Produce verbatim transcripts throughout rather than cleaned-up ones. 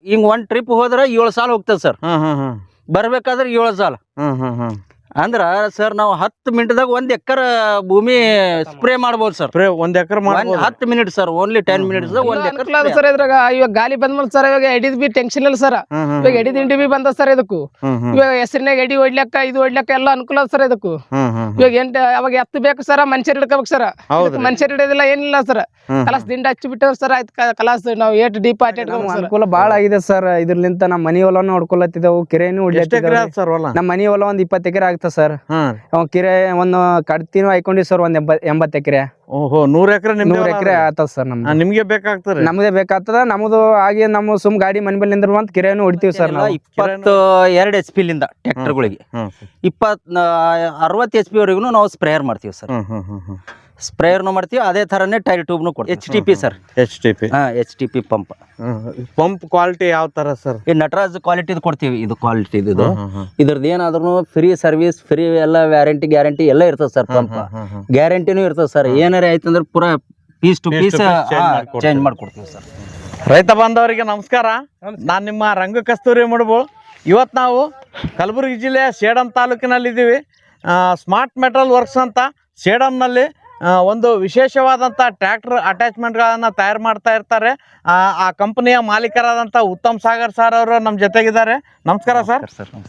ಹಿಂಗ್ ಒಂದ್ ಟ್ರಿಪ್ ಹೋದ್ರ ಏಳು ಸಾಲ ಹೋಗ್ತದೆ ಸರ್. ಹ್ಮ್ ಹ್ಮ್ ಹ್ಮ್ ಬರ್ಬೇಕಾದ್ರೆ ಏಳು ಸಾಲ. ಹ್ಮ್ ಹ್ಮ್ ಹ್ಮ್ ಅಂದ್ರ ಸರ್ ನಾವು ಹತ್ತು ಮಿನಿಟ್ದಾಗ ಒಂದ್ ಎಕರ್ ಭೂಮಿ ಸ್ಪ್ರೇ ಮಾಡ್ಬೋದು ಸರ್. ಸ್ಪ್ರೇ ಒಂದ್ ಎಕರೆ ಮಾಡ್ಬೋದು. ಹತ್ತು minute sir, only ten minutes ಒಂದ್ ಎಕರ್ ಸರ್. ಇದ್ರಾಗ ಇವಾಗ ಗಾಲಿ ಬಂದ್ಮೇಲೆ ಸರ್ ಇವಾಗ ಎಡಿದ್ ಬಿ ಟೆನ್ಷನ್ ಇಲ್ಲ ಸರ್. ಇವಾಗ ಎಡಿ ದಿಂಡಿ ಬಿ ಬಂದ ಸರ್ ಇದಕ್ಕೂ. ಇವಾಗ ಹೆಸರಿನಾಗ ಎಡಿ ಹೊಡ್ಲಕ್ಕ ಇದು ಹೊಡ್ಲಕ್ಕ ಎಲ್ಲ ಅನುಕೂಲ ಸರ್ ಇದಕ್ಕೂ. ಇವಾಗ ಎಂಟ ಅವಾಗ ಎತ್ತು ಬೇಕು ಸರ್, ಮನುಷ್ಯರ್ ಹಿಡ್ಕೋಬೇಕು ಸರ್. ಮನುಷ್ಯರ್ ಹಿಡಿಯೋದಿಲ್ಲ ಏನಿಲ್ಲ ಸರ್. ಕಲಾಸ್ ದಿಂಡ ಹಚ್ಚಿ ಬಿಟ್ಟವ್ ಸರ್. ಆಯ್ತು ಕಲಾಸ್ ನಾವು ಏಟ್ ಡೀಪ್ ಅನುಕೂಲ ಬಾಳ ಆಗಿದೆ ಸರ್. ಇದ್ರಲಿಂತ ನಮ್ಮ ಮನಿ ಹೊಲನು ಹೊಡ್ಕೊಳತ್ತಿದ್ದೆವು, ಕೆರೆನು ಹೊಡ್ಲತ್ತಿದ್ದೆವು. ನಮ್ಮ ಮನಿ ಹೊಲ ಒಂದ್ ಇಪ್ಪತ್ತು ಎಕರೆ ಆಗ್ತದೆ ಸರ್. ಕೆರೆ ಒಂದು ಕಡ್ತಿನೂ ಹಾಕೊಂಡಿವಿ ಸರ್, ಒಂದ್ ಎಂಬತ್ ಎಕರೆ. ಓಹೋ, ನೂರ್ ಎಕರೆ ನೂರ್ ಎಕರೆ ಆತದ ಸರ್. ನಮ್ದು ನಿಮ್ಗೆ ಬೇಕಾಗ್ತದೆ. ನಮ್ದೇ ಬೇಕಾಗ್ತದ. ನಮ್ದು ಹಾಗೆ ನಮ್ಮ ಸುಮ್ ಗಾಡಿ ಮನೆ ಮೇಲೆ ನಿಂದ್ರ ಅಂತ ಕೆರೆಯನ್ನು ಹೊಡಿತೀವಿ ಸರ್. ನಾವು ಇಪ್ಪತ್ತು ಎರಡು ಎಚ್ ಪಿ ಲಿಂದ ಟ್ರ್ಯಾಕ್ಟರ್ಗಳಿಗೆ ಇಪ್ಪತ್ ಅರವತ್ತು ಎಚ್ ಪಿ ವರೆಗೂ ನಾವು ಸ್ಪ್ರೇಯರ್ ಮಾಡ್ತೀವಿ ಸರ್. ಸ್ಪ್ರೇಯರ್ನು ಮಾಡ್ತೀವಿ, ಅದೇ ತರನೇ ಟೈರ್ ಟ್ಯೂಬ್ನು ಕೊಡ್ತೀವಿ. H T P sir. H T P ಹಾ H T P pump. Pump quality ಯಾವ ತರ ಸರ್? ಈ ನಟರಾಜ್ ಕ್ವಾಲಿಟಿದು ಕೊಡ್ತೀವಿ. ಇದು ಕ್ವಾಲಿಟಿ ಇದು ಇದ್ರದ್ದು ಏನಾದ್ರೂ ಫ್ರೀ ಸರ್ವಿಸ್, ಫ್ರೀ ಎಲ್ಲ ವ್ಯಾರಂಟಿ ಗ್ಯಾರಂಟಿ ಎಲ್ಲ ಇರ್ತದೆ ಸರ್. ಪಂಪ್ ಗ್ಯಾರಂಟಿನೂ ಇರ್ತದೆ ಸರ್. ಏನಾರ ಆಯ್ತಂದ್ರೆ ಪೂರಾ ಪೀಸ್ ಟು ಪೀಸ್ ಚೇಂಜ್ ಮಾಡ್ಕೊಡ್ತೀವಿ ಸರ್. ರೈತ ಬಾಂಧವರಿಗೆ ನಮಸ್ಕಾರ. ನಾನು ನಿಮ್ಮ ರಂಗ ಕಸ್ತೂರಿ ಮುಡುಬು. ಇವತ್ತು ನಾವು ಕಲಬುರಗಿ ಜಿಲ್ಲೆಯ ಸೇಡಂ ತಾಲೂಕಿನಲ್ಲಿ ಇದ್ದೀವಿ. ಸ್ಮಾರ್ಟ್ ಮೆಟಲ್ ವರ್ಕ್ಸ್ ಅಂತ ಸೇಡಂನಲ್ಲಿ ಒಂದು ವಿಶೇಷವಾದಂಥ ಟ್ರ್ಯಾಕ್ಟರ್ ಅಟ್ಯಾಚ್ಮೆಂಟ್ಗಳನ್ನು ತಯಾರು ಮಾಡ್ತಾ ಇರ್ತಾರೆ. ಆ ಕಂಪನಿಯ ಮಾಲೀಕರಾದಂಥ ಉತ್ತಮ್ ಸಾಗರ್ ಸರ್ ಅವರು ನಮ್ಮ ಜೊತೆಗಿದ್ದಾರೆ. ನಮಸ್ಕಾರ ಸರ್.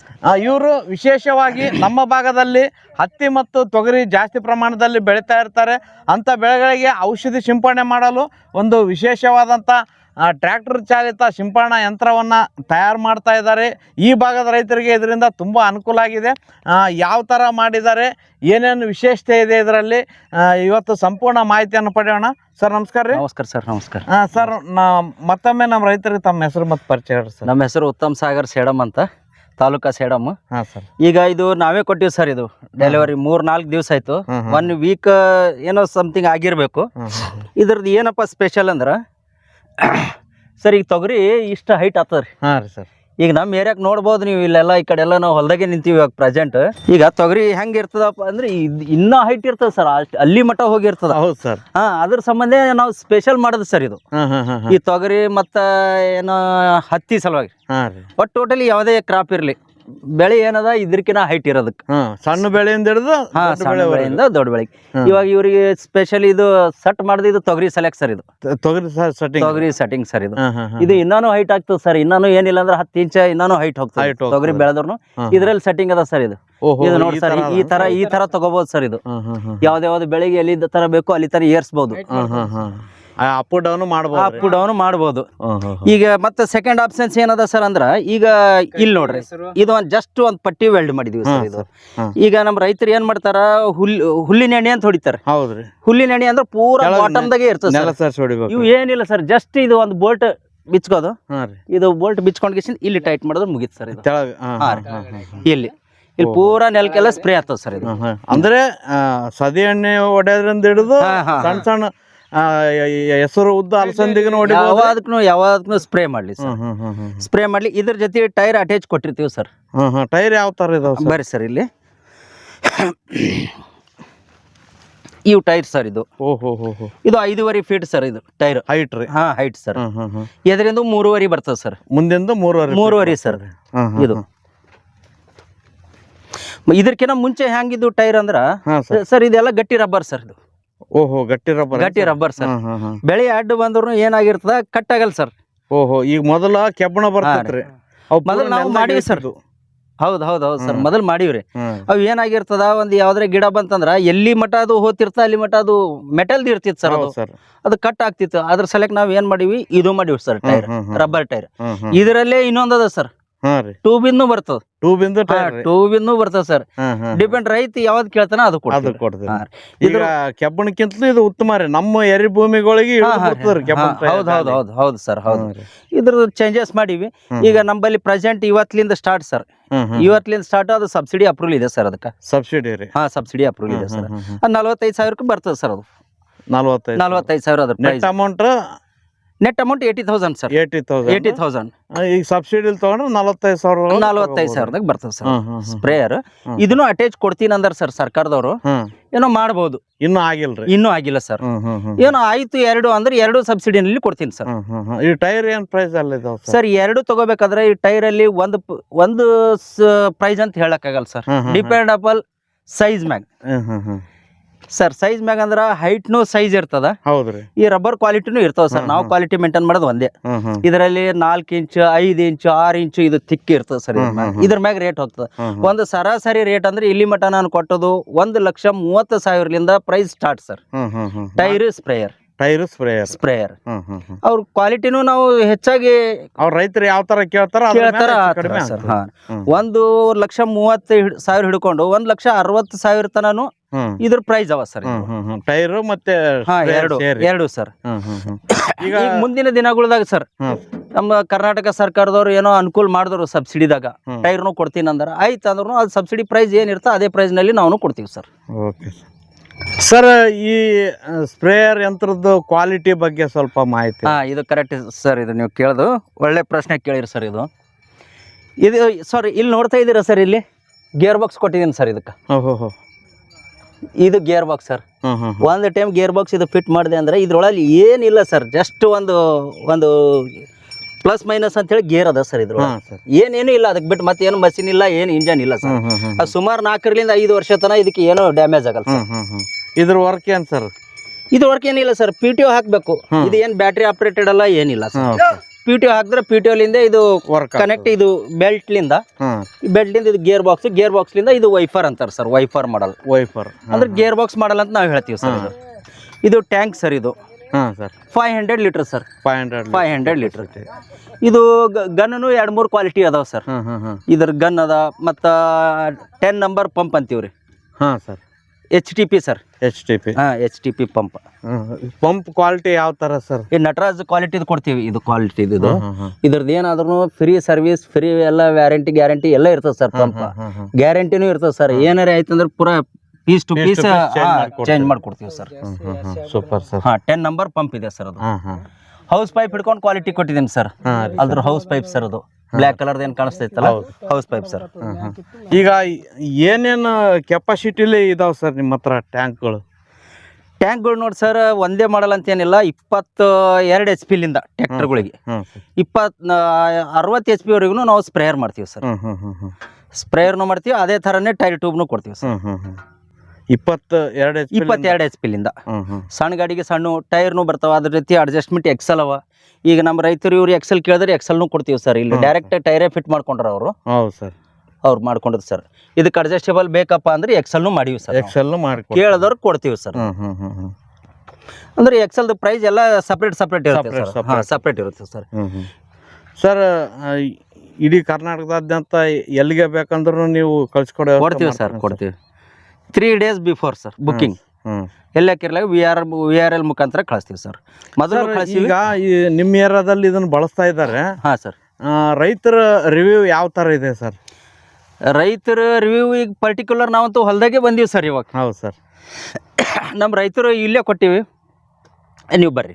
ಇವರು ವಿಶೇಷವಾಗಿ ನಮ್ಮ ಭಾಗದಲ್ಲಿ ಹತ್ತಿ ಮತ್ತು ತೊಗರಿ ಜಾಸ್ತಿ ಪ್ರಮಾಣದಲ್ಲಿ ಬೆಳೀತಾ ಇರ್ತಾರೆ. ಅಂಥ ಬೆಳೆಗಳಿಗೆ ಔಷಧಿ ಸಿಂಪಡಣೆ ಮಾಡಲು ಒಂದು ವಿಶೇಷವಾದಂಥ ಟ್ರ್ಯಾಕ್ಟರ್ ಚಾಲಿತ ಸಿಂಪರಣಾ ಯಂತ್ರವನ್ನು ತಯಾರು ಮಾಡ್ತಾ ಇದ್ದಾರೆ. ಈ ಭಾಗದ ರೈತರಿಗೆ ಇದರಿಂದ ತುಂಬ ಅನುಕೂಲ ಆಗಿದೆ. ಯಾವ ಥರ ಮಾಡಿದ್ದಾರೆ, ಏನೇನು ವಿಶೇಷತೆ ಇದೆ ಇದರಲ್ಲಿ, ಇವತ್ತು ಸಂಪೂರ್ಣ ಮಾಹಿತಿಯನ್ನು ಪಡೆಯೋಣ. ಸರ್ ನಮಸ್ಕಾರ ರೀ. ನಮಸ್ಕಾರ ಸರ್. ನಮಸ್ಕಾರ ಸರ್. ನಾ ಮತ್ತೊಮ್ಮೆ ನಮ್ಮ ರೈತರಿಗೆ ತಮ್ಮ ಹೆಸರು ಮತ್ತು ಪರಿಚಯ ಹೇಳಿ ಸರ್. ನಮ್ಮ ಹೆಸರು ಉತ್ತಮ್ ಸಾಗರ್ ಸೇಡಮ್ ಅಂತ, ತಾಲೂಕಾ ಸೇಡಮ್. ಹಾಂ ಸರ್. ಈಗ ಇದು ನಾವೇ ಕೊಟ್ಟಿವಿ ಸರ್. ಇದು ಡೆಲಿವರಿ ಮೂರ್ ನಾಲ್ಕು ದಿವಸ ಆಯ್ತು. ಒನ್ ವೀಕ್ ಏನೋ ಸಮಥಿಂಗ್ ಆಗಿರ್ಬೇಕು. ಇದ್ರದ್ದು ಏನಪ್ಪ ಸ್ಪೆಷಲ್ ಅಂದ್ರೆ ಸರ್, ಈಗ ತೊಗರಿ ಇಷ್ಟ ಹೈಟ್ ಆಗ್ತದೆ ರೀ. ಹಾಂ ರೀ ಸರ್. ಈಗ ನಮ್ಮ ಏರಿಯಾಕ್ ನೋಡ್ಬೋದು ನೀವು. ಇಲ್ಲೆಲ್ಲ ಈ ಕಡೆ ಎಲ್ಲ ನಾವು ಹೊಲದಾಗೆ ನಿಂತೀವಿ ಇವಾಗ ಪ್ರೆಸೆಂಟ್. ಈಗ ತೊಗರಿ ಹೆಂಗೆ ಇರ್ತದಪ್ಪ ಅಂದ್ರೆ ಇನ್ನೂ ಹೈಟ್ ಇರ್ತದೆ ಸರ್. ಅಲ್ಲಿ ಮಟ್ಟ ಹೋಗಿರ್ತದ. ಹೌದು ಸರ್. ಹಾ, ಅದ್ರ ಸಂಬಂಧ ನಾವು ಸ್ಪೆಷಲ್ ಮಾಡೋದು ಸರ್ ಇದು. ಈ ತೊಗರಿ ಮತ್ತು ಏನೋ ಹತ್ತಿ ಸಲುವಾಗಿ. ಒಟ್ಟು ಟೋಟಲಿ ಯಾವುದೇ ಕ್ರಾಪ್ ಇರಲಿ, ಬೆಳೆ ಏನದ ಇದ್ರಕಿನ ಹೈಟ್ ಇರೋದಕ್ಕೆ. ಸಣ್ಣ ಬೆಳೆಯಿಂದ ಹಿಡಿದು ಹಾ ಸಣ್ಣ ಬೆಳೆಯಿಂದ ದೊಡ್ಡ ಬೆಳೆಗೆ. ಇವಾಗ ಇವರಿಗೆ ಸ್ಪೆಷಲ್ ಇದು ಸಟ್ ಮಾಡಿದ ಇದು ತೊಗರಿ ಸೆಲೆಕ್ಟ್ ಸರ್. ಇದು ತೊಗರಿ ತೊಗರಿ ಸೆಟ್ಟಿಂಗ್ ಸರ್. ಇದು ಇದು ಇನ್ನೂ ಹೈಟ್ ಆಗ್ತದೆ ಸರ್. ಇನ್ನೂ ಏನಿಲ್ಲ ಅಂದ್ರೆ ಹತ್ತು ಇಂಚ ಇನ್ನೂ ಹೈಟ್ ಹೋಗ್ತದೆ ತೊಗರಿ ಬೆಳೆದ್ರು. ಇದ್ರಲ್ಲಿ ಸೆಟ್ಟಿಂಗ್ ಅದ ಸರ್. ಇದು ಇದು ನೋಡಿ ಸರ್, ಈ ತರ ಈ ತರ ತಗೋಬಹುದು ಸರ್. ಇದು ಯಾವ್ದಾವ್ದು ಬೆಳೆಗೆ ಎಲ್ಲಿ ತರ ಬೇಕು ಅಲ್ಲಿ ತರ ಏರ್ಸ್ಬಹುದು. ಅಪ್ ಡೌನ್ ಮಾಡಬಹುದು ಅಪ್ ಡೌನ್ ಮಾಡಬಹುದು. ಈಗ ಮತ್ತೆ ಸೆಕೆಂಡ್ ಆಪ್ಷನ್ಸ್ ಏನದ ಸರ್ ಅಂದ್ರ, ಈಗ ಇಲ್ಲಿ ನೋಡ್ರಿ, ಇದು ಒಂದ್ ಜಸ್ಟ್ ಒಂದ್ ಪಟ್ಟಿ ವೆಲ್ಡ್ ಮಾಡಿದೀವಿ ಸರ್. ಇದು ಈಗ ನಮ್ ರೈತರು ಏನ್ ಮಾಡ್ತಾರ, ಹುಲ್ ಹುಲ್ಲಿನ ಎಣ್ಣೆ ಅಂತ ಹೊಡಿತಾರೆ. ಹೌದ್ರಿ. ಹುಲ್ಲಿನ ಎಣ್ಣೆ ಅಂದ್ರೆ ಪೂರಾ ಬಾಟಮ್ ದಾಗೆ ಇರ್ತದೆ. ಇವು ಏನಿಲ್ಲ ಸರ್, ಜಸ್ಟ್ ಇದು ಒಂದು ಬೋಲ್ಟ್ ಬಿಚ್ಕೋದು. ಇದು ಬೋಲ್ಟ್ ಬಿಚ್ಕೊಂಡ್ ಇಲ್ಲಿ ಟೈಟ್ ಮಾಡಿದ್ರೆ ಮುಗೀತು ಸರ್. ಇದು ಇಲ್ಲಿ ಇಲ್ಲಿ ಪೂರಾ ನೆಲಕ್ಕೆಲ್ಲ ಸ್ಪ್ರೇ ಆಗ್ತದೆ ಸರ್. ಇದು ಅಂದ್ರೆ ಸದಿ ಎಣ್ಣೆ ಹೊಡೆಯೋದ್ರಿಂದ ಹಿಡಿದು ಸಣ್ಣ ಸಣ್ಣ ಹೆಸರು ಉದ್ದ ಅಲಸಂದಿಗೂ ನೋಡಿ ಯಾವ್ದಕ್ಕೂ ಯಾವ್ದಕ್ಕೂ ಸ್ಪ್ರೇ ಮಾಡ್ಲಿ ಸರ್. ಸ್ಪ್ರೇ ಮಾಡ್ಲಿ. ಇದ್ರ ಜೊತೆ ಟೈರ್ ಅಟ್ಯಾಚ್ ಕೊಟ್ಟಿರ್ತೀವಿ ಸರ್. ಟೈರ್ ಯಾವ ತರ ಇದಾವೆ ಬರ್ರಿ ಸರ್. ಇಲ್ಲಿ ಇವು ಟೈರ್ ಸರ್. ಇದು ಓಹೋ ಇದು ಐದೂವರೆ ಫೀಟ್ ಸರ್. ಇದು ಟೈರ್ ಹೈಟ್ ರೀ. ಹಾ ಹೈಟ್ ಸರ್. ಎದರಿಂದ ಮೂರುವರೆ ಬರ್ತದೆ ಸರ್. ಮುಂದಿಂದ ಮೂರುವರೆ ಮೂರುವರೆ ಸರ್. ಇದು ಇದಕ್ಕಿಂತ ಮುಂಚೆ ಹೆಂಗಿದ್ದು ಟೈರ್ ಅಂದ್ರ ಸರ್, ಇದೆಲ್ಲ ಗಟ್ಟಿ ರಬ್ಬರ್ ಸರ್. ಇದು ಓಹೋ ಗಟ್ಟಿ ರಬ್ಬರ್. ಗಟ್ಟಿ ರಬ್ಬರ್ ಸರ್. ಬೆಳೆ ಅಡ್ಡ ಬಂದ್ರು ಏನಾಗಿರ್ತದ, ಕಟ್ ಆಗಲ್ಲ ಸರ್. ಓಹೋ, ಈಗ ಮೊದಲ ಕೆಬ್ಬಣ ಬರ್ತೈತ್ರಿ. ಮೊದಲು ನಾವು ಮಾಡಿವಿ ಸರ್. ಹೌದ್ ಹೌದ್ ಹೌದ್ ಸರ್, ಮೊದಲು ಮಾಡಿವ್ರಿ. ಅವ್ ಏನಾಗಿರ್ತದ, ಒಂದ್ ಯಾವ್ದ್ರ ಗಿಡ ಬಂತಂದ್ರ ಎಲ್ಲಿ ಮಠ ಅದು ಹೋತಿರ್ತ ಅಲ್ಲಿ ಮಠ ಅದು ಮೆಟಲ್ದು ಇರ್ತಿತ್ತು ಸರ್. ಅದು ಅದು ಕಟ್ ಆಗ್ತಿತ್ತು. ಅದ್ರ ಸಲಕ್ ನಾವ್ ಏನ್ ಮಾಡಿವಿ, ಇದು ಮಾಡಿವಿ ಸರ್, ಟೈರ್, ರಬ್ಬರ್ ಟೈರ್. ಇದರಲ್ಲೇ ಇನ್ನೊಂದದ ಸರ್, ಟ್ಯೂಬಿಂದು ಬರ್ತದ. ಟ್ಯೂಬಿಂದು ಟ್ಯೂಬಿಂದು ಬರ್ತದ ಸರ್. ಡಿಪೆಂಡ್ ರೈತ ಯಾವ್ದು ಕೇಳ್ತಾನ ಅದು ಕೊಡ್ತೀವಿ. ಈಗ ಕೆಬ್ಬಣಕ್ಕಿಂತಲೂ ಇದು ಉತ್ತಮ ರೀ ನಮ್ಮ ಎರಿ ಭೂಮಿಗಳಿಗೆ. ಹೌದ್ ಹೌದ್ ಹೌದ್ ಹೌದು ಸರ್. ಹೌದು. ಇದ್ರದ್ದು ಚೇಂಜಸ್ ಮಾಡಿವಿ. ಈಗ ನಮ್ಮಲ್ಲಿ ಪ್ರೆಸೆಂಟ್ ಇವತ್ತಿಂದ ಸ್ಟಾರ್ಟ್ ಸರ್. ಇವತ್ತಿಂದ ಸ್ಟಾರ್ಟ್ ಅದು ಸಬ್ಸಿಡಿ ಅಪ್ರೂವಲ್ ಇದೆ ಸರ್. ಅದಕ್ಕೆ ಸಬ್ಸಿಡಿ ರೀ. ಹಾ ಸಬ್ಸಿಡಿ ಅಪ್ರೂವಲ್ ಇದೆ ಸರ್. ನಲ್ವತ್ತೈದು ಸಾವಿರಕ್ಕೆ ಬರ್ತದೆ ಸರ್. ಅದು ನಲ್ವತ್ತೈದು ನಲ್ವತ್ತೈದು ಸಾವಿರ ಅದ್ರ net amount. Net amount eighty thousand sir. Eighty thousand eighty thousand ಈಗ ಸಬ್ಸಿಡಿ ತಗೊಂಡ್ರೆ ನಲವತ್ತೈದು ಸಾವಿರ ನಲವತ್ತೈದು ಸಾವಿರದಾಗ ಬರ್ತದೆ ಸರ್ ಸ್ಪ್ರೇಯರ್. ಇದನ್ನು ಅಟ್ಯಾಚ್ ಕೊಡ್ತೀನಿ ಅಂದಾರ ಸರ್ ಸರ್ಕಾರದವರು. ಏನೋ ಮಾಡ್ಬೋದು. ಇನ್ನೂ ಆಗಿಲ್ರಿ? ಇನ್ನೂ ಆಗಿಲ್ಲ ಸರ್. ಏನೋ ಆಯ್ತು ಎರಡು ಅಂದ್ರೆ ಎರಡು ಸಬ್ಸಿಡಿನಲ್ಲಿ ಕೊಡ್ತೀನಿ ಸರ್. ಈ ಟೈರ್ ಏನ್ ಪ್ರೈಸ್ ಅಲ್ಲಿ ಇದಾವ ಸರ್? ಎರಡು ತಗೋಬೇಕಾದ್ರೆ ಈ ಟೈರ್ ಅಲ್ಲಿ ಒಂದು ಪ- ಒಂದು ಪ್ರೈಸ್ ಅಂತ ಹೇಳಕ್ ಆಗಲ್ಲ ಸರ್. ಡಿಪೆಂಡ್ ಅಪಲ್ ಸೈಜ್ ಮ್ಯಾಗ್ ಸರ್. ಸೈಜ್ ಮ್ಯಾಗ ಅಂದ್ರ ಹೈಟ್ನು ಸೈಜ್ ಇರ್ತದ. ಹೌದ್ರಿ. ಈ ರಬ್ಬರ್ ಕ್ವಾಲಿಟಿನೂ ಇರ್ತಾವ ಸರ್. ನಾವು ಕ್ವಾಲಿಟಿ ಮೇಂಟೈನ್ ಮಾಡೋದು ಒಂದೇ. ಇದರಲ್ಲಿ ನಾಲ್ಕು ಇಂಚ್ ಐದು ಇಂಚು ಆರು ಇಂಚು ಇದು ತಿಕ್ಕಿ ಇರ್ತದೆ ಸರ್. ಇದ್ರ ಮ್ಯಾಗ ರೇಟ್ ಹೋಗ್ತದೆ. ಒಂದು ಸರಾಸರಿ ರೇಟ್ ಅಂದ್ರೆ ಇಲ್ಲಿ ಮಟ ನಾನು ಕೊಟ್ಟದು ಒಂದು ಲಕ್ಷ ಮೂವತ್ತು ಸಾವಿರಲಿಂದ price start sir. Tyre sprayer tyre sprayer sprayer ಅವ್ರ ಕ್ವಾಲಿಟಿನೂ ನಾವು ಹೆಚ್ಚಾಗಿ ಅವ್ರ ರೈತರು ಯಾವ ತರ ಕೇಳ್ತಾರ ಕೇಳ್ತಾರ ಆತರ ಸರ್. ಹಾ, ಒಂದು ಲಕ್ಷ ಮೂವತ್ತು ಹಿಡ್- ಸಾವಿರ ಹಿಡ್ಕೊಂಡು ಒಂದ್ ಲಕ್ಷ ಅರವತ್ತು ಸಾವಿರ ತನನು ಇದ್ರ ಪ್ರೈಸ್ ಅವ ಸರ್. ಟೈರ್ ಮತ್ತೆ ಹಾ, sprayer ಎರಡು ಸೇರಿ. ಎರಡು ಸರ್. ಈಗ ಈಗ ಮುಂದಿನ ದಿನಗಳದಾಗ ಸರ್ ನಮ್ಮ ಕರ್ನಾಟಕ ಸರ್ಕಾರದವ್ರು ಏನೋ ಅನುಕೂಲ ಮಾಡಿದ್ರು ಸಬ್ಸಿಡಿದಾಗ ಟೈರ್ನು ಕೊಡ್ತೀನಿ ಅಂದ್ರ ಆಯ್ತು ಅಂದ್ರೂ ಅದು ಸಬ್ಸಿಡಿ ಪ್ರೈಸ್ ಏನಿರ್ತೋ ಅದೇ ಪ್ರೈಸ್ ನಲ್ಲಿ ನಾವು ಕೊಡ್ತೀವಿ ಸರ್. Okay sir. ಈ ಸ್ಪ್ರೇಯರ್ ಯಂತ್ರದ ಕ್ವಾಲಿಟಿ ಬಗ್ಗೆ ಸ್ವಲ್ಪ ಮಾಹಿತಿ. ಹಾ, ಇದು ಕರೆಕ್ಟ್ ಸರ್. ಇದು ನೀವು ಕೇಳೋದು ಒಳ್ಳೆ ಪ್ರಶ್ನೆ ಕೇಳಿರಿ ಸರ್. ಇದು ಇದು ಸಾರಿ ಇಲ್ಲಿ ನೋಡ್ತಾ ಇದ್ದೀರಾ ಸರ್, ಇಲ್ಲಿ ಗೇರ್ ಬಾಕ್ಸ್ ಕೊಟ್ಟಿದ್ದೀನಿ ಸರ್. ಇದಕ್ಕೆ ಇದು ಗೇರ್ ಬಾಕ್ಸ್ ಸರ್. ಒಂದು ಟೈಮ್ ಗೇರ್ ಬಾಕ್ಸ್ ಇದು ಫಿಟ್ ಮಾಡಿದೆ ಅಂದ್ರೆ ಇದ್ರೊಳಗೆ ಏನಿಲ್ಲ ಸರ್. ಜಸ್ಟ್ ಒಂದು ಒಂದು ಪ್ಲಸ್ ಮೈನಸ್ ಅಂತ ಹೇಳಿ ಗೇರ್ ಅದ ಸರ್. ಇದ್ರೊಳಗೆ ಏನೇನು ಇಲ್ಲ. ಅದಕ್ಕೆ ಬಿಟ್ಟು ಮತ್ತೆ ಏನು ಮಷಿನ್ ಇಲ್ಲ, ಏನು ಇಂಜನ್ ಇಲ್ಲ ಸರ್. ಅದು ಸುಮಾರು ನಾಲ್ಕರಿಂದ ಐದು ವರ್ಷ ತನಕ ಇದಕ್ಕೆ ಏನೋ ಡ್ಯಾಮೇಜ್ ಆಗಲ್ಲ ಸರ್. ಇದ್ರ ವರ್ಕ್ ಏನ್ ಸರ್? ಇದು ವರ್ಕ್ ಏನಿಲ್ಲ ಸರ್. ಪಿ ಟಿ ಒ ಹಾಕ್ಬೇಕು. ಇದು ಏನ್ ಬ್ಯಾಟ್ರಿ ಆಪರೇಟೆಡ್ ಅಲ್ಲ, ಏನಿಲ್ಲ ಸರ್. ಪಿ ಟಿ ಒ ಹಾಕಿದ್ರೆ ಪಿ ಟಿ ಒಲಿಂದ ಇದು ಕನೆಕ್ಟ್, ಇದು ಬೆಲ್ಟ್ ಲಿಂದ ಬೆಲ್ಟ್ ಲಿಂದ ಇದು ಗೇರ್ ಬಾಕ್ಸ್, ಗೇರ್ ಬಾಕ್ಸ್ ಲಿಂದ ಇದು ವೈಫರ್ ಅಂತಾರೆ ಸರ್. ವೈಫರ್ ಮಾಡಲ್. ವೈಫರ್ ಅಂದ್ರೆ ಗೇರ್ ಬಾಕ್ಸ್ ಮಾಡಲ್ ಅಂತ ನಾವು ಹೇಳ್ತೀವಿ ಸರ್. ಇದು ಇದು ಟ್ಯಾಂಕ್ ಸರ್. ಇದು five hundred litre sir. Five hundred five hundred litre. ಇದು ಗನ್ನು ಎರಡ್ ಮೂರು ಕ್ವಾಲಿಟಿ ಅದಾವ ಸರ್. ಇದ್ರ ಗನ್ ಅದ ಮತ್ತ ಟೆನ್ ನಂಬರ್ ಪಂಪ್ ಅಂತೀವ್ರಿ. ಹಾ sir. H T P sir. H T P. ಹಾ, H T P pump. Pump quality ಯಾವ ತರ ಸರ್? ಈ ನಟರಾಜ್ ಕ್ವಾಲಿಟಿ ಕೊಡ್ತೀವಿ. ಇದು ಕ್ವಾಲಿಟಿ ಇದು ಇದ್ರದ್ದು ಏನಾದ್ರೂ ಫ್ರೀ ಸರ್ವಿಸ್, ಫ್ರೀ ಎಲ್ಲ ವ್ಯಾರಂಟಿ ಗ್ಯಾರಂಟಿ ಎಲ್ಲ ಇರ್ತದೆ ಸರ್. ಪಂಪ್ ಗ್ಯಾರಂಟಿನೂ ಇರ್ತದೆ ಸರ್. ಏನಾರ ಆಯ್ತಂದ್ರೆ ಪೂರಾ ಪೀಸ್ ಟು ಪೀಸ್ ಚೇಂಜ್ ಮಾಡ್ಕೊಡ್ತೀವಿ ಸರ್. Super sir. ಹಾ, ಟೆನ್ ನಂಬರ್ ಪಂಪ್ ಇದೆ ಸರ್. ಅದು ಹೌಸ್ ಪೈಪ್ ಹಿಡ್ಕೊಂಡು ಕ್ವಾಲಿಟಿ ಕೊಟ್ಟಿದ್ದೀನಿ ಸರ್. ಅದ್ರ ಹೌಸ್ ಪೈಪ್ ಸರ್. ಅದು ಬ್ಲ್ಯಾಕ್ ಕಲರ್ ಏನ್ ಕಾಣಿಸ್ತೈತಲ್ಲ, ಹೌಸ್ ಪೈಪ್ ಸರ್. ಈಗ ಏನೇನು ಕೆಪಾಸಿಟಿಲಿ ಇದಾವ ಸರ್ ನಿಮ್ಮ ಹತ್ರ ಟ್ಯಾಂಕ್ಗಳು? ಟ್ಯಾಂಕ್ಗಳು ನೋಡಿ ಸರ್, ಒಂದೇ ಮಾಡಲ್ ಅಂತ ಏನಿಲ್ಲ. ಇಪ್ಪತ್ತು ಎರಡು ಎಚ್ ಪಿಲಿಂದ ಟ್ರ್ಯಾಕ್ಟರ್ಗಳಿಗೆ ಇಪ್ಪತ್ ಅರವತ್ತು ಎಚ್ ಪಿ ವರೆಗೂ ನಾವು ಸ್ಪ್ರೇಯರ್ ಮಾಡ್ತೀವಿ ಸರ್. ಸ್ಪ್ರೇಯರ್ನು ಮಾಡ್ತೀವಿ, ಅದೇ ಥರನೇ ಟೈರ್ ಟ್ಯೂಬ್ನು ಕೊಡ್ತೀವಿ ಸರ್. ಇಪ್ಪತ್ತು ಎರಡು ಎಚ್ ಇಪ್ಪತ್ತೆರಡು ಎಚ್ ಪಿಲಿಂದ ಸಣ್ಣ ಗಾಡಿಗೆ ಸಣ್ಣ ಟೈರ್ನು ಬರ್ತಾವ. ಅದ್ರ ರೀತಿ ಅಡ್ಜಸ್ಟ್ಮೆಂಟ್ ಎಕ್ಸೆಲ್ ಅವ. ಈಗ ನಮ್ಮ ರೈತರು ಇವ್ರು ಎಕ್ಸೆಲ್ ಕೇಳಿದ್ರೆ ಎಕ್ಸೆಲ್ನು ಕೊಡ್ತೀವಿ ಸರ್. ಇಲ್ಲಿ ಡೈರೆಕ್ಟ್ ಟೈರೇ ಫಿಟ್ ಮಾಡ್ಕೊಂಡ್ರ ಅವರು. ಹೌದು ಸರ್. ಅವ್ರು ಮಾಡ್ಕೊಂಡಿದ್ ಸರ್. ಇದಕ್ಕೆ ಅಡ್ಜಸ್ಟೇಬಲ್ ಬೇಕಪ್ಪ ಅಂದ್ರೆ ಎಕ್ಸೆಲ್ನು ಮಾಡಿವಿ ಸರ್. ಎಕ್ಸೆಲ್ ಮಾಡಿ ಕೇಳಿದವ್ರು ಕೊಡ್ತೀವಿ ಸರ್. ಅಂದ್ರೆ ಎಕ್ಸೆಲ್ದು ಪ್ರೈಸ್ ಎಲ್ಲ ಸಪ್ರೇಟ್ ಸಪ್ರೇಟ್ ಇರುತ್ತೆ ಸರ್. ಸಪ್ರೇಟ್ ಇರುತ್ತೆ ಸರ್. ಸರ್, ಇಡೀ ಕರ್ನಾಟಕದಾದ್ಯಂತ ಎಲ್ಲಿಗೆ ಬೇಕಂದ್ರೂ ನೀವು ಕಳ್ಸಿಕೊಡೋ ಕೊಡ್ತೀವಿ ಸರ್. ಕೊಡ್ತೀವಿ. Three days before sir booking. ಎಲ್ಲಕ್ಕಿರ್ಲಾಗ V R V R L ಮುಖಾಂತರ ಕಳಿಸ್ತೀವಿ ಸರ್. ಮೊದಲು ಈಗ ಈ ನಿಮ್ಮ ಏರಿಯಾದಲ್ಲಿ ಇದನ್ನ ಬಳಸ್ತಾ ಇದ್ದಾರೆ. ಹಾ ಸರ್. ರೈತರ ರಿವ್ಯೂ ಯಾವ ತರ ಇದೆ ಸರ್? ರೈತರ ರಿವ್ಯೂ ಈಗ ಪರ್ಟಿಕ್ಯುಲರ್ ನಾವಂತೂ ಹೊಲದಾಗೆ ಬಂದೀವಿ ಸರ್ ಇವಾಗ. ಹೌದು ಸರ್. ನಮ್ಮ ರೈತರು ಇಲ್ಲೇ ಕೊಟ್ಟಿವಿ, ನೀವು ಬರ್ರಿ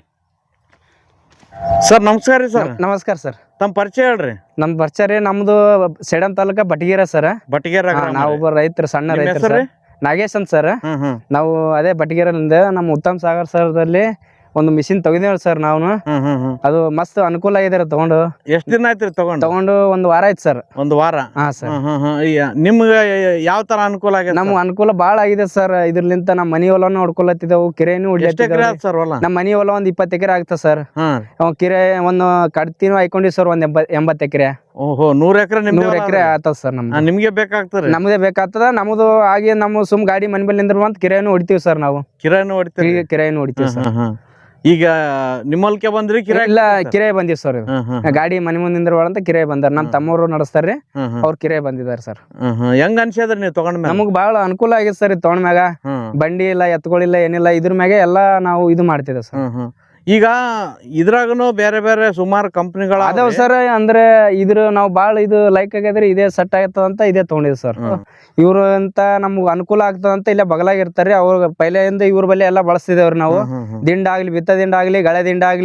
ಸರ್. ನಮಸ್ಕಾರ ರೀ ಸರ್. ನಮಸ್ಕಾರ ಸರ್. ತಮ್ಮ ಪರಿಚಯ ಹೇಳ್ರಿ. ನಮ್ ಪರಿಚಯ ರೀ, ನಮ್ದು ಸೇಡಂ ತಾಲೂಕ ಬಟಗೇರ ಸರ್. ಬಟಗೇರ. ನಾವು ಒಬ್ಬ ರೈತರು, ಸಣ್ಣ ರೈತರು. ನಾಗೇಶ್ ಅಂತ ಸರ್. ನಾವು ಅದೇ ಬಟಗೇರಲ್ಲಿಂದ ನಮ್ಮ ಉತ್ತಮ್ ಸಾಗರ್ ಸರ್ದಲ್ಲಿ ಒಂದು ಮಿಷಿನ್ ತಗೊಂಡೇವ್ ಸರ್. ನಾವು ಅದು ಮಸ್ತ್ ಅನುಕೂಲ ಆಗಿದೆ ತಗೊಂಡು. ಎಷ್ಟ್ ದಿನ ಆಯ್ತು ತಗೊಂಡು? ತಗೊಂಡು ಒಂದು ವಾರ ಆಯ್ತು ಸರ್. ಒಂದು ವಾರ. ಹಾ ಸರ್. ನಿಮ್ಗೆ ಯಾವ ತರ ಅನುಕೂಲ ಆಗಿದೆ? ನಮ್ಗೆ ಅನುಕೂಲ ಬಾಳ ಆಗಿದೆ ಸರ್. ಇದ್ರಲಿಂತ ನಮ್ಮ ಮನಿ ಹೊಲನು ನೋಡ್ಕೊಳತ್ತಿದ್ದೆವು, ಕಿರೆನು ಸರ್. ನಮ್ಮ ಮನಿ ಹೊಲ ಒಂದ್ ಇಪ್ಪತ್ತು ಎಕರೆ ಆಗ್ತದೆ ಸರ್. ಕಿರೆ ಒಂದು ಕಡ್ತಿನೂ ಹಾಕೊಂಡಿವಿ ಸರ್, ಒಂದ್ ಎಂಬತ್ ಎಂಬತ್ತು ಎಕರೆ. ಓಹೋ, ನೂರ್ ಎಕರೆ ನೂರ್ ಎಕರೆ ಆತದ ಸರ್. ನಮ್ ನಿಮ್ಗೆ ಬೇಕಾಗ್ತದೆ? ನಮ್ದೇ ಬೇಕಾಗ್ತದ. ನಮ್ದು ಹಾಗೆ ನಮ್ಮ ಸುಮ್ ಗಾಡಿ ಮನೆ ಮೇಲೆ ನಿಂದ್ರ ಅಂತ ಕಿರೆನು ಹೊಡಿತೀವಿ ಸರ್. ನಾವು ಕಿರಾಯಿನೂ ಹೊಡಿತೀವಿ. ಕಿರೆನು ಹೊಡಿತೀವಿ ಸರ್. ಈಗ ನಿಮ್ಮಲ್ಕೆ ಬಂದ್ರಿ? ಕಿರಾಯಿ ಇಲ್ಲ, ಕಿರಾಯಿ ಬಂದಿವ್ ಸರ್. ಗಾಡಿ ಮನೆ ಮುಂದೆ ನಿಂದ್ರವಾಳ ಅಂತ ಕಿರಾಯಿ ಬಂದಾರ. ನಮ್ ತಮ್ಮವರು ನಡೆಸ್ತಾರ್ರಿ, ಅವ್ರ ಕಿರಾಯಿ ಬಂದಿದಾರ ಸರ್. ಹೆಂಗ್ ಅನ್ಸಿದ್ರಿ ನೀವು ತಗೊಂಡ್? ನಮಗ್ ಬಾಳ ಅನುಕೂಲ ಆಗೈತೆ ಸರ್. ಇದು ತಗೊಂಡ್ ಮ್ಯಾಗ ಬಂಡಿ ಇಲ್ಲ, ಎತ್ಗಳಿಲ್ಲ, ಏನಿಲ್ಲ. ಇದ್ರ ಮ್ಯಾಗೆ ಎಲ್ಲಾ ನಾವು ಇದು ಮಾಡ್ತಿದ್ದೇವೆ ಸರ್. ಈಗ ಇದ್ರಾಗನು ಬೇರೆ ಬೇರೆ ಸುಮಾರು ಕಂಪ್ನಿಗಳು ಅದಾವ ಸರ್. ಅಂದ್ರೆ ಇದ್ರ ನಾವು ಬಾಳ ಇದು ಲೈಕ್ ಆಗ್ಯದ್ರಿ, ಇದೇ ಸೆಟ್ ಆಗತ್ತದ ಅಂತ ಇದೇ ತಗೊಂಡಿದ್ ಸರ್. ಇವ್ರು ಅಂತ ನಮ್ಗ್ ಅನುಕೂಲ ಆಗ್ತದಂತ ಇಲ್ಲೇ ಬಗಲಾಗ ಇರ್ತಾರ್ರಿ. ಅವ್ರ ಪೈಲೆಯಿಂದ ಇವ್ರ ಬಲ್ಲಿ ಎಲ್ಲಾ ಬಳಸ್ತಿದೇವ್ರಿ ನಾವು. ದಿಂಡ ಆಗ್ಲಿ, ಬಿತ್ತ ದಿಂಡ ಆಗ್ಲಿ, ಗಳೆ ದಿಂಡ ಆಗ್ಲಿ,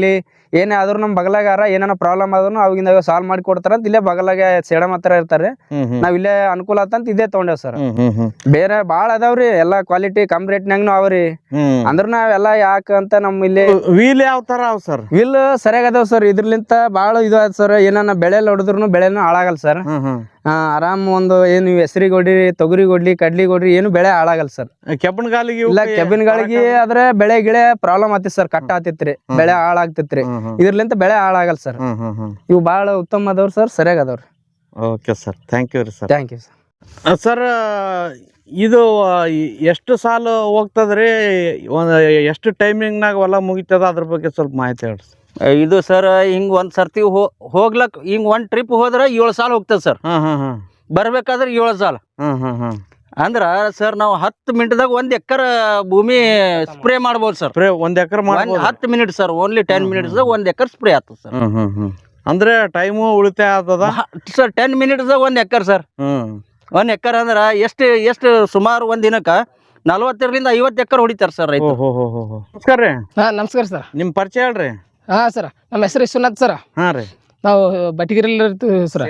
ಏನೇ ಆದ್ರೂ ನಮ್ ಬಗಲಾಗಾರ ಏನಾರ ಪ್ರಾಬ್ಲಮ್ ಆದ್ರೂ ಅವಾಗಿಂದ ಸಾಲ್ವ್ ಮಾಡಿ ಕೊಡ್ತಾರ ಅಂತ ಇಲ್ಲೇ ಬಗಲಾಗ ಸೇಡಮ್ ಹತ್ರ ಇರ್ತಾರೆ. ನಾವ್ ಇಲ್ಲೇ ಅನುಕೂಲ ಆತಂತ ಇದೇ ತಗೊಂಡೇವ್ ಸರ್. ಬೇರೆ ಬಾಳ ಅದಾವ್ರಿ ಎಲ್ಲಾ ಕ್ವಾಲಿಟಿ ಕಮ್ ರೇಟ್ನಾಗನು ಅವ್ರಿ. ಅಂದ್ರ ನಾವೆಲ್ಲಾ ಯಾಕ ಅಂತ ನಮ್ ಇಲ್ಲಿ ವೀಲ್ ಯಾವ ತರ ಅವ್ ಸರ್? ವೀಲ್ ಸರಿಯಾಗ ಅದಾವ್ ಸರ್. ಇದ್ರಲಿಂತ ಬಾಳ ಇದು ಆಯ್ತು ಸರ್. ಏನಾನ ಬೆಳೆ ಹೊಡೆದ್ರು ಬೆಳೆನೂ ಹಾಳಾಗಲ್ಲ ಸರ್. ಆರಾಮ್ ಒಂದು ಏನು ಹೆಸರಿ ಕೊಡ್ರಿ ತೊಗರಿ ಕೊಡ್ಲಿ ಕಡ್ಲಿ ಕೊಡ್ರಿ ಏನು ಬೆಳೆ ಹಾಳಾಗಲ್ಲ ಸರ್. ಕೆಬ್ಬನ್ ಗಾಲಿಗೆ ಇಲ್ಲ ಕೆಬಿನ್ ಗಳಿಗೆ ಆದ್ರೆ ಬೆಳೆ ಗಿಳೆ ಪ್ರಾಬ್ಲಮ್ ಆತಿತ್ ಸರ್. ಕಟ್ಟ ಆತಿತ್ರಿ, ಬೆಳೆ ಹಾಳಾಗ್ತಿತ್ರಿ. ಇದ್ರಲಿಂತ ಬೆಳೆ ಹಾಳಾಗಲ್ಲ ಸರ್. ಇವು ಬಾಳ ಉತ್ತಮ ಅದಾವ್ರಿ ಸರ್, ಸರಿಯಾಗ ಅದಾವ್ರಿ. ಓಕೆ ಸರ್, ಥ್ಯಾಂಕ್ ಯು ರೀ sir. Thank you sir. Sir ಇದು ಎಷ್ಟು ಸಾಲು ಹೋಗ್ತದ್ರಿ? ಒಂದು ಎಷ್ಟು ಟೈಮಿಂಗ್ನಾಗ ಹೊಲ ಮುಗಿತದ ಅದ್ರ ಬಗ್ಗೆ ಸ್ವಲ್ಪ ಮಾಹಿತಿ ಹೇಳ್ರಿ. ಇದು ಸರ್ ಹಿಂಗ್ ಒಂದ್ ಸರ್ತಿ ಹೋಗ್ಲಕ್ ಹಿಂಗ್ ಒಂದ್ ಟ್ರಿಪ್ ಹೋದ್ರ ಏಳು ಸಾಲ ಹೋಗ್ತದ ಸರ್. ಬರ್ಬೇಕಾದ್ರೆ ಏಳು ಸಾಲ. ಅಂದ್ರ ಸರ್ ನಾವು ಹತ್ತು ಮಿನಿಟ್ದಾಗ ಒಂದ್ ಎಕರ್ ಭೂಮಿ ಸ್ಪ್ರೇ ಮಾಡ್ಬೋದು ಸರ್. ಸ್ಪ್ರೇ ಒಂದ್ ಎಕರ್ ಹತ್ತು minute sir, only ten minutes ಒಂದ್ ಎಕರ್ ಸ್ಪ್ರೇ ಆಗ್ತದ ಸರ್. ಅಂದ್ರೆ ಟೈಮು ಉಳಿತಾಯ ಆಗ್ತದ ಸರ್. ಟೆನ್ ಮಿನಿಟ್ಸ್ ಒಂದ್ ಎಕರ್ ಸರ್. ಒಂದ್ ಎಕರ್ ಅಂದ್ರ ಎಷ್ಟು ಎಷ್ಟು ಸುಮಾರು ಒಂದ್ ದಿನಕ್ಕ ನಲ್ವತ್ತರಿಂದ ಐವತ್ತು ಎಕರ್ ಹೊಡಿತಾರ ಸರ್ ರೈತ. ನಮಸ್ಕಾರ ರೀ. ಹಾ ನಮಸ್ಕಾರ ಸರ್. ನಿಮ್ ಪರಿಚಯ ಹೇಳ್ರಿ. ಹಾ ಸರ್, ನಮ್ಮ ಹೆಸರು ವಿಶ್ವನಾಥ್ ಸರ್. ಹಾ ರೀ. ನಾವು ಬಟಿಗಿರಲ್ಲಿ ಇರ್ತೀವಿ ಸರ್.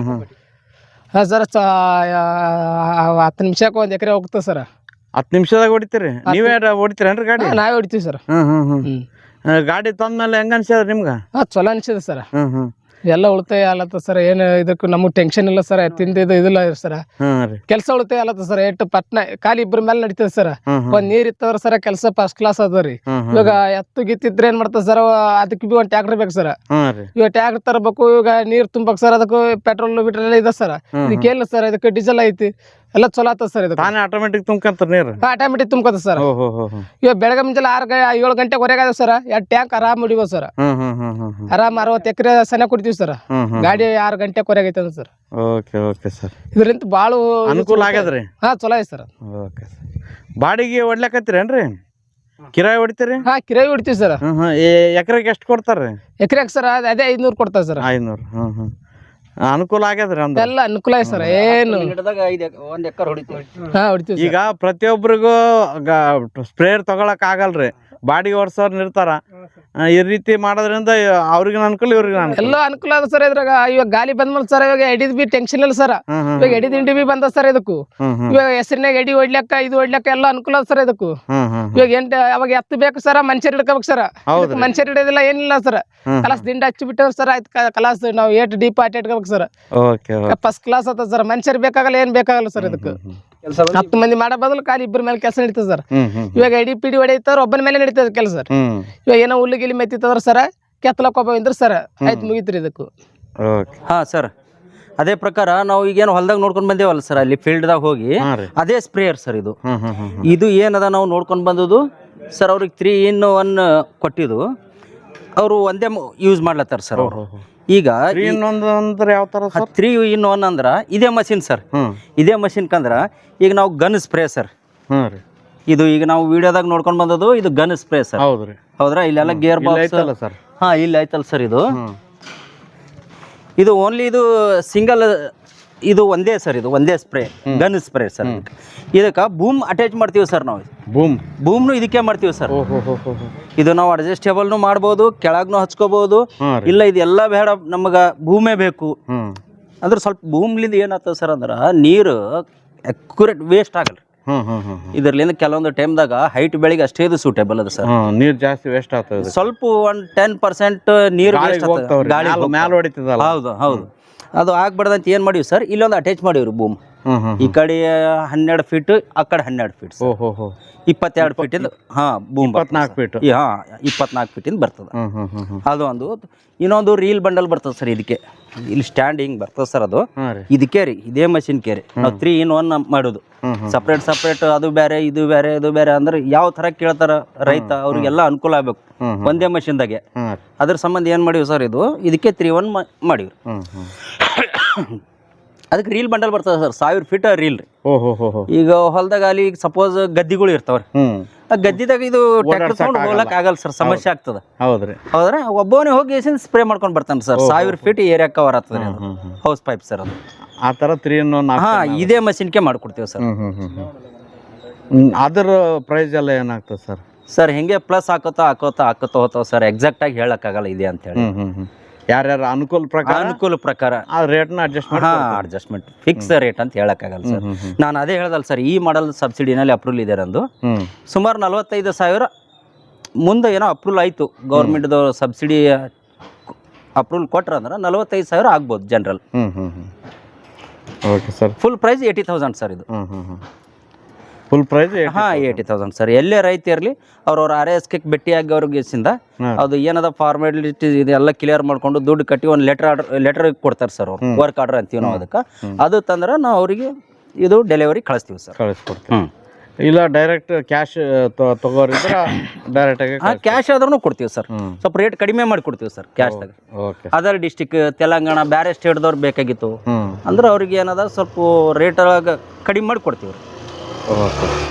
ಹಾ ಸರ್, ಹತ್ತು ನಿಮಿಷಕ್ಕೆ ಒಂದ್ ಎಕರೆ ಹೋಗ್ತದೆ ಸರ್. ಹತ್ತು ನಿಮಿಷದಾಗ ಹೊಡಿತೀರಿ? ನೀವೇ ಹೊಡಿತೀರೇನ್ರಿ ಗಾಡಿ? ನಾವೇ ಹೊಡಿತೀವಿ ಸರ್. ಹ್ಮ್ ಹ್ಮ್ ಹ್ಮ್ ಗಾಡಿ ತಂದ್ಮೇಲೆ ಹೆಂಗ ಅನ್ಸದ ನಿಮ್ಗ? ಹಾ ಚಲೋ ಅನ್ಸಿದೆ ಸರ್. ಹ್ಮ್ ಹ್ಮ್ ಎಲ್ಲ ಉಳಿತಾಯ ಆಲತ್ತ ಸರ್. ಏನು ಇದಕ್ಕೂ ನಮಗ್ ಟೆನ್ಷನ್ ಇಲ್ಲ ಸರ್. ತಿಂದಿದ್ದು ಇದಿಲ್ಲ ಸರ್. ಕೆಲಸ ಉಳಿತಾಯ ಆಲತ್ತ ಸರ್. ಎಷ್ಟು ಪಟ್ನ ಖಾಲಿ ಇಬ್ಬರ ಮೇಲೆ ನಡೀತದೆ ಸರ್. ಒಂದ್ ನೀರ್ ಇತ್ತಂದ್ರ ಸರ್ ಕೆಲಸ ಫಸ್ಟ್ ಕ್ಲಾಸ್ ಅದ ರೀ. ಇವಾಗ ಎತ್ತು ಗಿತ್ತಿದ್ರೆ ಏನ್ ಮಾಡ್ತದ ಸರ್, ಅದಕ್ಕೆ ಬಿ ಒಂದ್ ಟ್ಯಾಕ್ಟರ್ ಬೇಕು ಸರ್. ಇವಾಗ ಟ್ಯಾಕ್ಟರ್ ತರಬೇಕು, ಇವಾಗ ನೀರ್ ತುಂಬಕ್ ಸರ್. ಅದಕ್ಕೂ ಪೆಟ್ರೋಲ್ ಬಿಟ್ರೆಲ್ಲ ಇದೆ ಸರ್. ಇದಕ್ಕೆ ಏನಿಲ್ಲ ಸರ್, ಇದಕ್ಕೆ ಡೀಸೆಲ್ ಐತಿ, ಎಲ್ಲ ಚಲೋ ಆತದ ಸರ್. ಇದು ತಾನೇ ಆಟೋಮೆಟಿಕ್ ತುಂಬ್ಕಂತ ನೀರು? ಆಟೋಮೆಟಿಕ್ ತುಂಬ್ಕತ ಸರ್. ಇವಾಗ ಬೆಳಗ್ಗೆ ಮುಂಜಾನೆ ಆರು ಏಳು ಗಂಟೆ ಹೊರಗೆ ಸರ್. ಎರಡು ಟ್ಯಾಂಕ್ ಆರಾಮ್ ಹೊಡಿಬೋದು ಸರ್. ಆರಾಮ್ ಅರವತ್ತು ಎಕರೆ ಸನ ಕೊಡ್ತೀವಿ ಸರ್. ಗಾಡಿ ಆರು ಗಂಟೆ ಹೊರಗೆ ಐತದ ಸರ್. Okay okay sir. ಇದರಿಂದ ಬಾಳ ಅನುಕೂಲ ಆಗ್ಯದ್ರಿ. ಹಾ ಚಲೋ ಐತಿ ಸರ್. ಓಕೆ. ಬಾಡಿಗೆ ಹೊಡ್ಲಕತ್ತೀರೇನ್ರಿ? ಕಿರಾಯಿ ಹೊಡಿತೀರಿ? ಹಾ ಕಿರಾಯಿ ಹೊಡಿತೀವಿ ಸರ್. ಎಕರೆಗೆ ಎಷ್ಟು ಕೊಡ್ತಾರ್ರಿ? ಎಕರೆಗೆ ಸರ್ ಅದೇ ಐದ್ನೂರು ಕೊಡ್ತಾರೆ ಸರ್. ಐದ್ನೂರು. ಹ್ಮ್ ಹ್ಮ್ ಅನುಕೂಲ ಆಗ್ಯದ್ರಿ. ಅಂದ್ರೆ ಎಲ್ಲ ಅನುಕೂಲ ಐತಿ ಸರ್. ಏನು ಒಂದ್ ಎಕರ್ ಹೊಡಿತೀವಿ. ಹಾ ಹೊಡಿತೀವಿ. ಈಗ ಪ್ರತಿಯೊಬ್ಬರಿಗೂ ಸ್ಪ್ರೇಯರ್ ತಗೊಳಕ್ ಆಗಲ್ರಿ. ಬಾಡಿಗೆ ಓಡಿಸೋರ್ ಇರ್ತಾರ. ಈ ರೀತಿ ಮಾಡೋದ್ರಿಂದ ಅವ್ರಿಗೆ ಅನುಕೂಲ, ಇವ್ರಿಗೆ ಎಲ್ಲ ಅನುಕೂಲ ಅದ ಸರ್. ಇದ್ರಾಗ ಇವಾಗ ಗಾಲಿ ಬಂದ್ಮೇಲೆ ಸರ್ ಇವಾಗ ಎಡಿದ್ ಬಿ ಟೆನ್ಷನ್ ಇಲ್ಲ ಸರ್. ಇವಾಗ ಎಡಿ ದಿಂಡಿ ಬಿ ಬಂದ ಸರ್. ಇದಕ್ಕೂ ಇವಾಗ ಹೆಸರಿನಾಗ ಎಡಿ ಹೊಡ್ಲಕ್ಕ ಇದು ಹೊಡ್ಲಕ್ಕ ಎಲ್ಲ ಅನುಕೂಲ ಅದ ಸರ್. ಇದಕ್ಕೂ ಇವಾಗ ಎಂಟ ಅವಾಗ ಎತ್ತು ಬೇಕು ಸರ್. ಮನುಷ್ಯರ್ ಹಿಡ್ಕೋಬೇಕು ಸರ್. ಮನುಷ್ಯರ್ ಹಿಡಿಯೋದಿಲ್ಲ, ಏನಿಲ್ಲ ಸರ್. ಕಲಾಸ್ ದಿಂಡ ಹಚ್ಚಿ ಬಿಟ್ಟವ್ ಸರ್. ಆಯ್ತು ಕಲಾಸ್ ನಾವು ಏಟ್ ಡೀಪ್ ಆಟ ಇಟ್ಕೋಬೇಕು ಸರ್. ಫಸ್ಟ್ ಕ್ಲಾಸ್ ಆತ ಸರ್. ಮನುಷ್ಯರ್ ಬೇಕಾಗಲ್ಲ, ಏನ್ ಬೇಕಾಗಲ್ಲ ಸರ್. ಇದಕ್ಕೆ ಹತ್ತು ಮಂದಿ ಮಾಡೋ ಬದಲು ಖಾಲಿ ಇಬ್ಬರ ಮೇಲೆ ಕೆಲಸ ನಡೀತದೆ ಸರ್. ಇವಾಗ ಎಡಿ ಪಿಡಿ ಹೊಡೆಯುತ್ತಾರ, ಒಬ್ಬನ ಮೇಲೆ ನಡೀತದೆ ಕೆಲಸ ಸರ್. ಇವಾಗ ಏನೋ ಹುಲ್ಲು ಗಿಲಿ ಮೆತ್ತಿತ್ತಂದ್ರ ಸರ್, ಕೆತ್ತಲಕ್ ಒಬ್ಬ ಇದ್ರ ಸರ್, ಆಯ್ತು ಮುಗಿತ್ರಿ ಇದಕ್ಕೂ. ಹಾ ಸರ್, ಅದೇ ಪ್ರಕಾರ ನಾವು ಈಗೇನು ಹೊಲದಾಗ ನೋಡ್ಕೊಂಡ್ ಬಂದೇವಲ್ಲ ಸರ್, ಅಲ್ಲಿ ಫೀಲ್ಡ್ದಾಗ ಹೋಗಿ ಅದೇ ಸ್ಪ್ರೇಯರ್ ಸರ್ ಇದು. ಇದು ಏನದ ನಾವು ನೋಡ್ಕೊಂಡ್ ಬಂದದು ಸರ್. ಅವ್ರಿಗೆ ತ್ರೀ ಇನ್ ಒನ್ ಕೊಟ್ಟಿದ್ದು ಅವರು ಒಂದೇ ಯೂಸ್ ಮಾಡ್ಲತ್ತಾರ ಸರ್ ಅವರು. ಈಗ ತ್ರೀ ಇನ್ ಒನ್ ಅಂದ್ರ ಇದೇ ಮಷಿನ್ ಸರ್. ಇದೇ ಮಷಿನ್ ಕಂದ್ರ ಈಗ ನಾವು ಗನ್ ಸ್ಪ್ರೇ ಸರ್. ಇದು ಈಗ ನಾವು ವಿಡಿಯೋದಾಗ ನೋಡ್ಕೊಂಡ್ ಬಂದದು ಇದು ಗನ್ ಸ್ಪ್ರೇ ಸರ್. ಹೌದ್ರಾ? ಇಲ್ಲೆಲ್ಲ ಗೇರ್ ಬಾಕ್ಸ್. ಹಾ ಇಲ್ಲಿ ಆಯ್ತಲ್ಲ ಸರ್. ಇದು ಇದು ಓನ್ಲಿ ಇದು ಸಿಂಗಲ್, ಇದು ಒಂದೇ ಸರ್. ಇದು ಒಂದೇ ಸ್ಪ್ರೇ, ಗನ್ ಸ್ಪ್ರೇ ಸರ್. ಇದಕ್ಕೆ ಬೂಮ್ ಅಟ್ಯಾಚ್ ಮಾಡ್ತೀವಿ ಸರ್ ನಾವು. ಬೂಮ್ ಬೂಮ್ನು ಇದಕ್ಕೆ ಮಾಡ್ತೀವಿ ಸರ್. ಇದು ನಾವು ಅಡ್ಜಸ್ಟೇಬಲ್ನು ಮಾಡ್ಬೋದು, ಕೆಳಗ್ನು ಹಚ್ಕೋಬಹುದು. ಇಲ್ಲ ಇದೆಲ್ಲ ಬೇಡ, ನಮಗ ಭೂಮೇ ಬೇಕು ಅಂದ್ರೆ ಸ್ವಲ್ಪ ಭೂಮ್ಲಿಂದ ಏನಾಗ್ತದೆ ಸರ್ ಅಂದ್ರೆ ನೀರು ಅಕ್ಯುರೇಟ್ ವೇಸ್ಟ್ ಆಗಲ್ಲ. ಇದರ್ಲಿಂದ ಕೆಲವೊಂದು ಟೈಮ್ದಾಗ ಹೈಟ್ ಬೆಳಿಗ್ಗೆ ಅಷ್ಟೇ ಇದು ಸೂಟೇಬಲ್ ಅದ ಸರ್. ನೀರ್ ಜಾಸ್ತಿ ವೇಸ್ಟ್ ಆಗ್ತದೆ. ಸ್ವಲ್ಪ ಒಂದ್ ಟೆನ್ ಪರ್ಸೆಂಟ್ ನೀರು ವೇಸ್ಟ್ ಆಗ್ತದೆ, ಗಾಳಿ ಮ್ಯಾಲ ಹೊಡಿತದಲ್ಲ. ಹೌದು ಹೌದು, ಅದು ಆಗ್ಬಾರ್ದಂತ ಏನ್ ಮಾಡಿವಿ ಸರ್, ಇಲ್ಲೊಂದು ಅಟ್ಯಾಚ್ ಮಾಡಿವ್ರಿ ಬೂಮ್. ಈ ಕಡೆ ಹನ್ನೆರಡು ಫೀಟ್, ಆ ಕಡೆ ಹನ್ನೆರಡು ಫೀಟ್, ಇಪ್ಪತ್ತೆರಡು ಫೀಟ್ ಇಂದ ಹಾ ಬೂಮ್ ಇಪ್ಪತ್ನಾಲ್ಕು ಫೀಟ್ ಹಾ ಇಪ್ಪತ್ನಾಲ್ಕು ಫೀಟ್ ಇಂದ ಬರ್ತದ. ಅದು ಒಂದು. ಇನ್ನೊಂದು ರೀಲ್ ಬಂಡಲ್ ಬರ್ತದೆ ಸರ್. ಇದಕ್ಕೆ ಇಲ್ಲಿ ಸ್ಟ್ಯಾಂಡ್ ಹಿಂಗ್ ಬರ್ತದೆ ಸರ್. ಅದು ಇದಕ್ಕೆ ರೀ, ಇದೇ ಮಷಿನ್ ಕೇರಿ ನಾವು ತ್ರೀ ಇನ್ ಒನ್ ಮಾಡೋದು. ಸಪ್ರೇಟ್ ಸಪ್ರೇಟ್ ಅದು ಬೇರೆ ಇದು ಬೇರೆ ಇದು ಬೇರೆ ಅಂದ್ರೆ ಯಾವ ತರ ಕೇಳ್ತಾರ ರೈತ, ಅವ್ರಿಗೆಲ್ಲ ಅನುಕೂಲ ಆಗ್ಬೇಕು ಒಂದೇ ಮಷಿನ್ದಾಗೆ. ಅದ್ರ ಸಂಬಂಧ ಏನ್ ಮಾಡಿವಿ ಸರ್, ಇದು ಇದಕ್ಕೆ ತ್ರೀ ಒನ್ ಮಾಡಿವ್ರಿ. ಅದಕ್ಕೆ ರೀಲ್ ಬಂಡಲ್ ಬರ್ತದೆ ಸರ್, ಸಾವಿರ ಫೀಟ್ ರೀಲ್ ರೀ. ಈಗ ಹೊಲದಾಗ ಅಲ್ಲಿ ಈಗ ಸಪೋಸ್ ಗದ್ದಿಗಳು ಇರ್ತಾವ್ರಿ, ಆ ಗದ್ದಿದಾಗ ಇದು ಟ್ರ್ಯಾಕ್ಟರ್ ತಗೊಂಡು ಹೋಗ್ಲಕ್ ಆಗಲ್ಲ ಸರ್, ಸಮಸ್ಯೆ ಆಗ್ತದ. ಹೌದ್ರಿ ಹೌದ್ರ? ಒಬ್ಬವನೇ ಹೋಗಿ ಸ್ಪ್ರೇ ಮಾಡ್ಕೊಂಡ್ ಬರ್ತಾನೆ ಸರ್. ಸಾವಿರ ಫೀಟ್ ಏರಿಯಾ ಕವರ್ ಆಗ್ತದೆ ಹೌಸ್ ಪೈಪ್ ಸರ್. ಅದು ಆ ತರ ತ್ರೀ ಹಾ ಇದೇ ಮಷಿನ್ಗೆ ಮಾಡ್ಕೊಡ್ತೀವಿ ಸರ್. ಅದರ ಪ್ರೈಸ್ ಎಲ್ಲ ಏನಾಗ್ತದೆ ಸರ್? ಸರ್ ಹಿಂಗೆ ಪ್ಲಸ್ ಹಾಕೋತಾ ಹಾಕೋತಾ ಹಾಕೋತಾ ಹೋಗ್ತಾವ ಸರ್, ಎಕ್ಸಾಕ್ಟ್ ಆಗಿ ಹೇಳಕ್ಕಾಗಲ್ಲ ಇದೆ ಅಂತ ಹೇಳಿ. ಯಾರ್ಯಾರ ಅನುಕೂಲ ಪ್ರಕಾರ ಅನುಕೂಲ ಪ್ರಕಾರ ಆ ರೇಟ್ನ ಅಡ್ಜಸ್ಟ್ ಮಾಡಿ ಹಾ ಅಡ್ಜಸ್ಟ್ಮೆಂಟ್ ಫಿಕ್ಸ್ ರೇಟ್ ಅಂತ ಹೇಳಕ್ಕಾಗಲ್ಲ ಸರ್. ನಾನು ಅದೇ ಹೇಳ್ದಲ್ಲ ಸರ್, ಈ ಮಾಡಲ್ ಸಬ್ಸಿಡಿನಲ್ಲಿ ಅಪ್ರೂವಲ್ ಇದೆ ನಂದು. ಸುಮಾರು ನಲವತ್ತೈದು ಸಾವಿರ ಮುಂದೆ ಏನೋ ಅಪ್ರೂವಲ್ ಆಯಿತು, ಗೌರ್ಮೆಂಟ್ದು ಸಬ್ಸಿಡಿ ಅಪ್ರೂವಲ್ ಕೊಟ್ರ ಅಂದ್ರೆ ನಲವತ್ತೈದು ಸಾವಿರ ಆಗ್ಬೋದು general. Okay sir. Full price eighty thousand sir ಇದು. ಫುಲ್ ಪ್ರೈಸ್ ಹಾಂ ಏಯ್ಟಿ ತೌಸಂಡ್ ಸರ್. ಎಲ್ಲೇ ರೈತ ಇರಲಿ ಅವ್ರವ್ರ ಆರ್ ಎಸ್ ಕೆ ಭೇಟಿಯಾಗಿ ಅವ್ರಿಗೆ ಸಿಂದ ಅದು ಏನದ ಫಾರ್ಮಾಲಿಟಿ ಇದೆಲ್ಲ ಕ್ಲಿಯರ್ ಮಾಡ್ಕೊಂಡು ದುಡ್ಡು ಕಟ್ಟಿ ಒಂದು ಲೆಟರ್ ಆರ್ಡರ್ ಲೆಟರ್ ಕೊಡ್ತಾರೆ ಸರ್ ಅವ್ರು, ವರ್ಕ್ ಆರ್ಡರ್ ಅಂತೀವಿ ನಾವು ಅದಕ್ಕೆ. ಅದು ತಂದ್ರೆ ನಾವು ಅವರಿಗೆ ಇದು ಡೆಲಿವರಿ ಕಳಿಸ್ತೀವಿ ಸರ್. ಕಳಿಸ್ಕೊಡ್ತೀವಿ. ಇಲ್ಲ ಡೈರೆಕ್ಟ್ ಕ್ಯಾಶ್ ತಗೋರಿದ್ರೆ ಡೈರೆಕ್ಟ್ ಆಗಿ ಹಾಂ ಕ್ಯಾಶ್ ಆದ್ರೂ ಕೊಡ್ತೀವಿ ಸರ್, ಸ್ವಲ್ಪ ರೇಟ್ ಕಡಿಮೆ ಮಾಡಿ ಕೊಡ್ತೀವಿ ಸರ್ ಕ್ಯಾಶ್ದಾಗ. ಓಕೆ. ಅದರ್ ಡಿಸ್ಟಿಕ್ ತೆಲಂಗಾಣ ಬೇರೆ ಸ್ಟೇಟ್ದವ್ರು ಬೇಕಾಗಿತ್ತು ಅಂದ್ರೆ ಅವ್ರಿಗೆ ಏನದ ಸ್ವಲ್ಪ ರೇಟ್ ಕಡಿಮೆ ಮಾಡಿ ಕೊಡ್ತೀವಿ. ಓಕೆ.